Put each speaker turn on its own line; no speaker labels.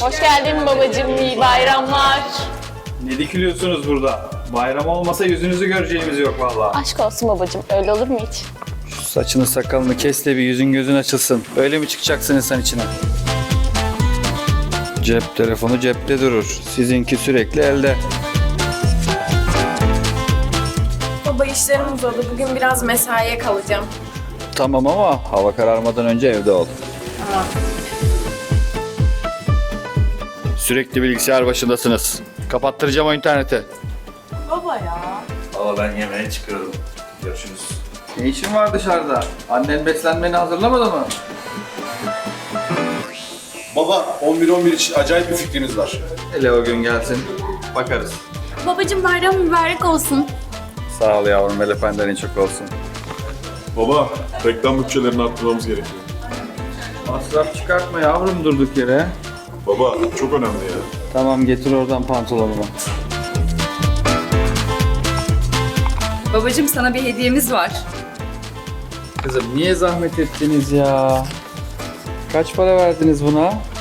Hoş geldin babacığım, iyi bayramlar.
Ne dikiliyorsunuz burada? Bayram olmasa yüzünüzü göreceğimiz yok vallahi.
Aşk olsun babacığım, öyle olur mu hiç?
Şu saçını sakalını kes de bir yüzün gözün açılsın. Öyle mi çıkacaksın insan içine? Cep telefonu cepte durur. Sizinki sürekli elde.
Baba işlerim uzadı. Bugün biraz mesaiye kalacağım.
Tamam ama hava kararmadan önce evde ol.
Tamam.
Sürekli bilgisayar başındasınız. Kapattıracağım o interneti.
Baba ya.
Valla ben yemeğe çıkıyorum. Görüşürüz.
Ne işin var dışarıda? Annen beslenmeni hazırlamadı mı?
Baba 11-11 için acayip bir fikriniz var.
Hele o gün gelsin. Bakarız.
Babacığım bayram mübarek olsun.
Sağ ol yavrum. El efendilerin çok olsun.
Baba reklam bütçelerini arttırmamız gerekiyor.
Masraf çıkartma yavrum durduk yere.
Baba çok önemli ya.
Tamam getir oradan pantolonumu.
Babacığım sana bir hediyemiz var.
Kızım niye zahmet ettiniz ya? Kaç para verdiniz buna?